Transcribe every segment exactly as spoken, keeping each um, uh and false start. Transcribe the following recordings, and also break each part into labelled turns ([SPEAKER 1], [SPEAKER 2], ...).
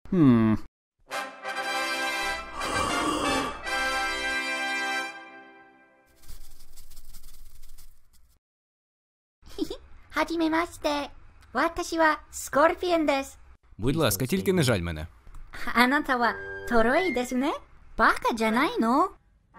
[SPEAKER 1] Хм.
[SPEAKER 2] Хадімемасте. Ваташі ва Скорпіон десу.
[SPEAKER 1] Будь ласка, тільки не жаль мене.
[SPEAKER 2] あなたはトロイですね。バカじゃないの？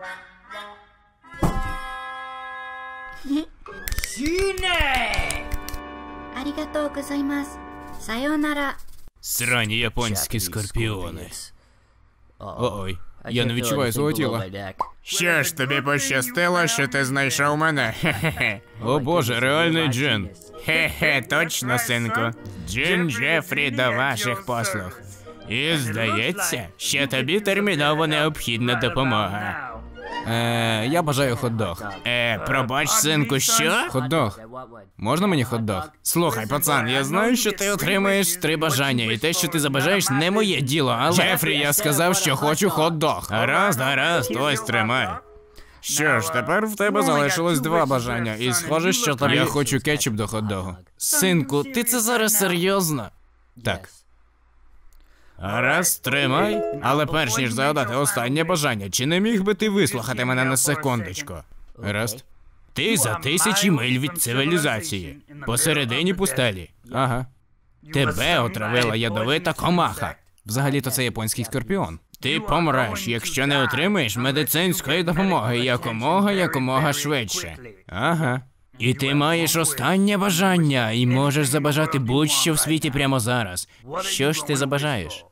[SPEAKER 2] ありがとうございます。さようなら。
[SPEAKER 1] Срані японські скорпіони. Ой, я не відчуваю свого тіла.
[SPEAKER 3] Що ж, тобі пощастило, що ти знайшов мене? Хе-хе-хе.
[SPEAKER 1] О боже, реальний джин.
[SPEAKER 3] Хе-хе, точно, синку. Джин Джефрі до ваших послуг. І здається, що тобі терміново необхідна допомога.
[SPEAKER 1] Е, я бажаю хот-дог.
[SPEAKER 3] Е, пробач, синку, що?
[SPEAKER 1] Хот-дог. Можна мені хот-дог?
[SPEAKER 3] Слухай, пацан, я знаю, що ти отримаєш три бажання, і те, що ти забажаєш, не моє діло, але...
[SPEAKER 1] Джефрі, я сказав, що хочу хот-дог.
[SPEAKER 3] Гаразд, гаразд, ось тримай. Що ж, тепер в тебе залишилось два бажання, і схоже, що тобі...
[SPEAKER 1] Я хочу кетчуп до хот-догу.
[SPEAKER 3] Синку, ти це зараз серйозно?
[SPEAKER 1] Так.
[SPEAKER 3] Раз, тримай. Але перш ніж загадати останнє бажання, чи не міг би ти вислухати мене на секундочку?
[SPEAKER 1] Гаразд.
[SPEAKER 3] Ти за тисячі миль від цивілізації, посередині пустелі.
[SPEAKER 1] Ага.
[SPEAKER 3] Тебе отравила ядовита комаха.
[SPEAKER 1] Взагалі-то це японський скорпіон.
[SPEAKER 3] Ти помреш, якщо не отримаєш медицинської допомоги якомога, якомога швидше.
[SPEAKER 1] Ага.
[SPEAKER 3] І ти маєш останнє бажання, і можеш забажати будь-що в світі прямо зараз. Що ж ти забажаєш?